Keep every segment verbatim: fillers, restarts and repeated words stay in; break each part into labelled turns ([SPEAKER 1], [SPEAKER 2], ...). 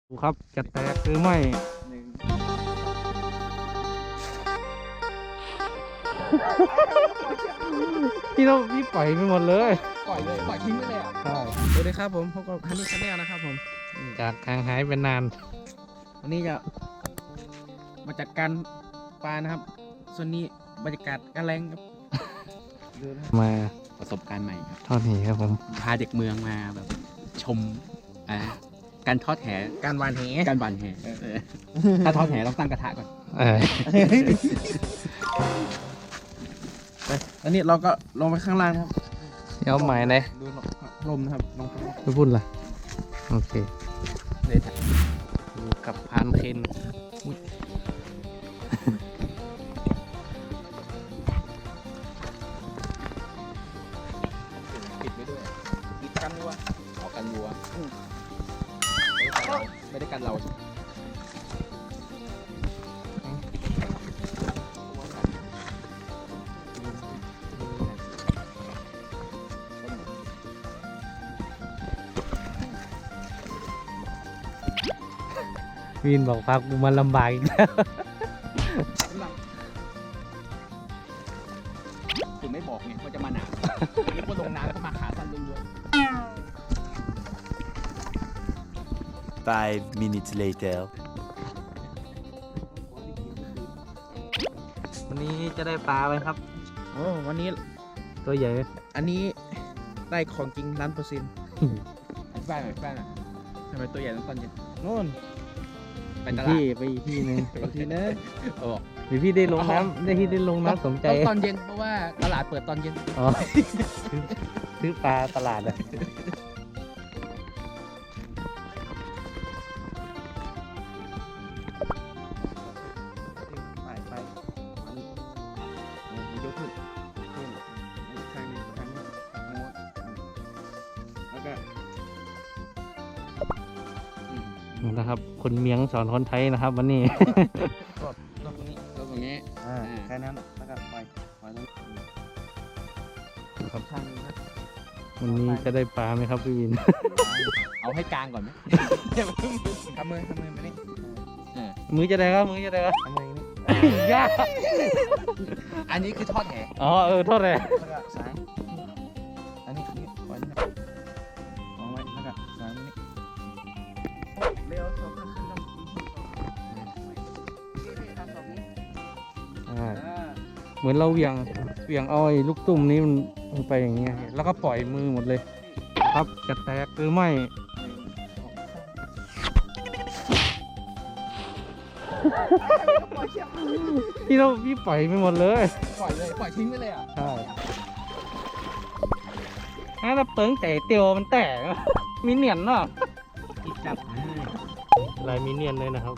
[SPEAKER 1] ดูครับจะแตกหรือไม่หนึ่งพี่เราพี่ปล่อยไปหมดเลย
[SPEAKER 2] ปล่อยเลยปล่อยทิ้งไปเลยอ่ะ
[SPEAKER 1] ใช่
[SPEAKER 2] สวัสดีครับผมพบกับฮันนี่ชาแนลนะครับผม
[SPEAKER 1] จากห่างหายเป็นนาน
[SPEAKER 2] วันนี้จะมาจัดการปลานะครับส่วนนี้บรรยากาศการแรงครับดูนะ
[SPEAKER 1] มา
[SPEAKER 2] ประสบการณ์ใหม่ครับ
[SPEAKER 1] ทอดหนีครับผม
[SPEAKER 2] พาเด็กเมืองมาแบบชมอ่าการทอดแหการวานแหการวานแหเออถ้าทอดแหต้องตั้งกระทะก่อน
[SPEAKER 1] เออ
[SPEAKER 2] ไปอันนี้เราก็ลงไปข้างล่างครับ
[SPEAKER 1] เดี๋ยวใหม่เลย
[SPEAKER 2] ดูลมนะครับลงข้างล่าง
[SPEAKER 1] ไม่พูดละโอเค
[SPEAKER 2] เลย
[SPEAKER 1] ดูกับพานเคนอุ๊ย
[SPEAKER 2] ปิดไว้ด้วยปิดกันวัวเอากันวัวไม่ได้กันเราใช่ไหม
[SPEAKER 1] วินบอกพักกูมันลำบากอีกแล้ว
[SPEAKER 2] ถึงไม่บอกไงว่าจะมาหนาวนึกว่าลงน้ำก็มาขาสั้นล้วน
[SPEAKER 3] Five minutes later.
[SPEAKER 1] วันนี้จะได้ปลาไหมครับ
[SPEAKER 2] ๆโอ้วันนี้
[SPEAKER 1] ตัวใหญ่
[SPEAKER 2] อันนี้ได้ของจริงล้านเปอร์เซ็นต์แป้งหน่อยแป้งหน่อยทำไมตัวใหญ่ตั้งตอนเย็นโน่นไปตลาด
[SPEAKER 1] พี่ไปอีกที่หนึงไปอีกที่นึง
[SPEAKER 2] เออ
[SPEAKER 1] หรือพี่ได้ลงน้ำได้ที่ได้ลงน้ำสมใจ
[SPEAKER 2] ต้องตอนเย็นเพราะว่าตลาดเปิดตอนเย็น
[SPEAKER 1] อ๋อซื้อซื้อปลาตลาดอะ
[SPEAKER 2] ไปไปอันนี้อันนี้ยกขึ้นขึ้นอีกข้างหนึงข้างนี้ข้างโน้นแล้วก็อืม
[SPEAKER 1] นะครับ คนเมียงสอนคนไทยนะครับ วันนี้
[SPEAKER 2] กดตรงนี้กดตรงนี้
[SPEAKER 1] อ่า
[SPEAKER 2] แค่นั้นแล้วก็ปล่อยปล่อยตรงนี้
[SPEAKER 1] ครับ
[SPEAKER 2] ข้างนึงนะ
[SPEAKER 1] วันนี้จะได้ปลาไหมครับพี่วิน
[SPEAKER 2] เอาให้กลางก่อนไหมทำมือทำมือมานี่อ่า
[SPEAKER 1] มือจะได้ครับมือจะได้ครับ
[SPEAKER 2] ทำมือนี่
[SPEAKER 1] ยาก
[SPEAKER 2] อันนี้คือทอดแห
[SPEAKER 1] อ๋อเออโทษเลย
[SPEAKER 2] แล้วก็สายอันนี้นี่ปล่อยนี่เอาไว้แล้วก็สายนี่เร็วสองขึ้นขึ้นต้องทำสองนี้
[SPEAKER 1] อ่า
[SPEAKER 2] อ่า
[SPEAKER 1] เหมือนเราเหวี่ยงเหวี่ยงเอาไอ้ลูกตุ่มนี้มันมันไปอย่างเงี้ยแล้วก็ปล่อยมือหมดเลย ครับจะแตกหรือไม่ พี่เราพี่ปล่อยไปหมดเลย
[SPEAKER 2] ปล่อยเลยปล่อยทิ้งไปเลยอ่ะ
[SPEAKER 1] ใช่ถ้าเราเปิงแต่เตียวมันแตกอะมีเนียนเนาะ
[SPEAKER 2] อีกจับให้
[SPEAKER 1] ลายมีเนียนเลยนะครับ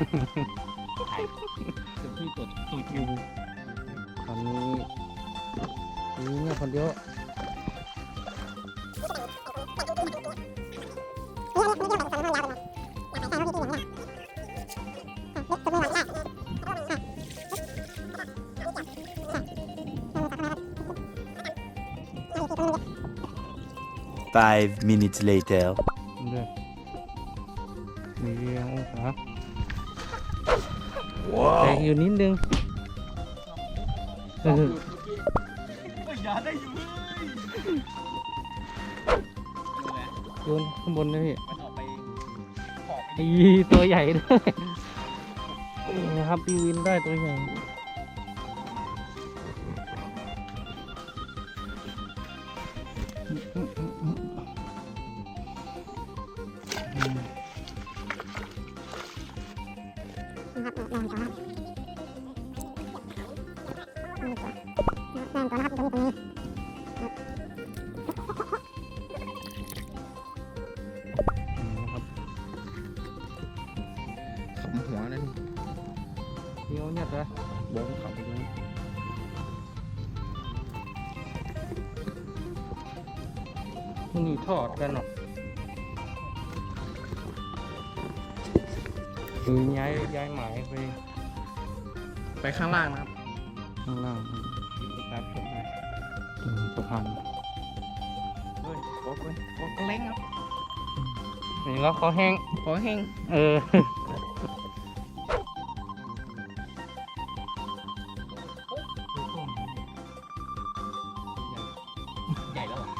[SPEAKER 2] ถึงที่ตรวจตูดอยู่
[SPEAKER 1] ตอนนี้มีเนี่ยคนเดียว
[SPEAKER 3] Five minutes later.
[SPEAKER 1] ด้วยมีเรียงองศาแตกอยู่นิดนึงเออ
[SPEAKER 2] อย่าได้อยู่เลย
[SPEAKER 1] โยนข้างบนนะพี่
[SPEAKER 2] มันออกไปขอบไป
[SPEAKER 1] อีตัวใหญ่ด้วยนี่นะครับพี่วินได้ตัวใหญ่นะครับ
[SPEAKER 2] ขำหัวนั่น
[SPEAKER 1] เดี๋ยวเนี่ยนะ
[SPEAKER 2] บงขำไปดู
[SPEAKER 1] มันนี่ทอดกันเนาะคือย้ายย้ายหมายไป
[SPEAKER 2] ไปข้างล่างนะครับ
[SPEAKER 1] ข้างล่าง
[SPEAKER 2] ครับผม
[SPEAKER 1] อืมสะพาน
[SPEAKER 2] เฮ้ยโอ้ยโอ้ยเล้งครับ
[SPEAKER 1] นี่แล้วเขาแห้ง
[SPEAKER 2] ขอแห้ง
[SPEAKER 1] เออ
[SPEAKER 2] ใหญ่แล้วเหรอ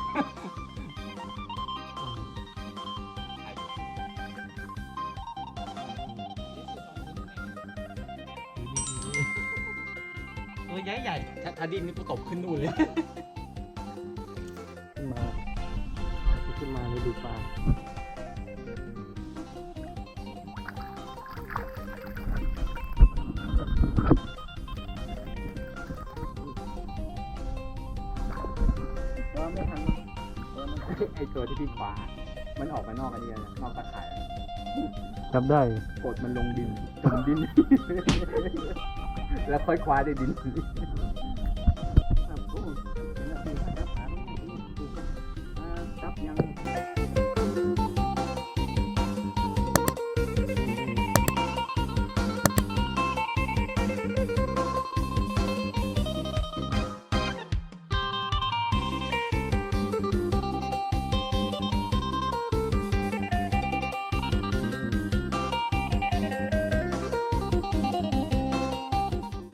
[SPEAKER 2] ตัวใหญ่ใหญ่ๆถ้าดินนี่ก็ตกขึ้นนู่นเลย
[SPEAKER 1] ขึ้นมาขึ้นมาเลยดูปลา
[SPEAKER 2] ก็ไม่ทันไอตัวที่พี่ขวา มันออกมานอกอันนี้นะนอกตะข่ายอะ
[SPEAKER 1] จับได้
[SPEAKER 2] กดมันลงดินจมดิน แล้วค่อยคว้าได้ดิน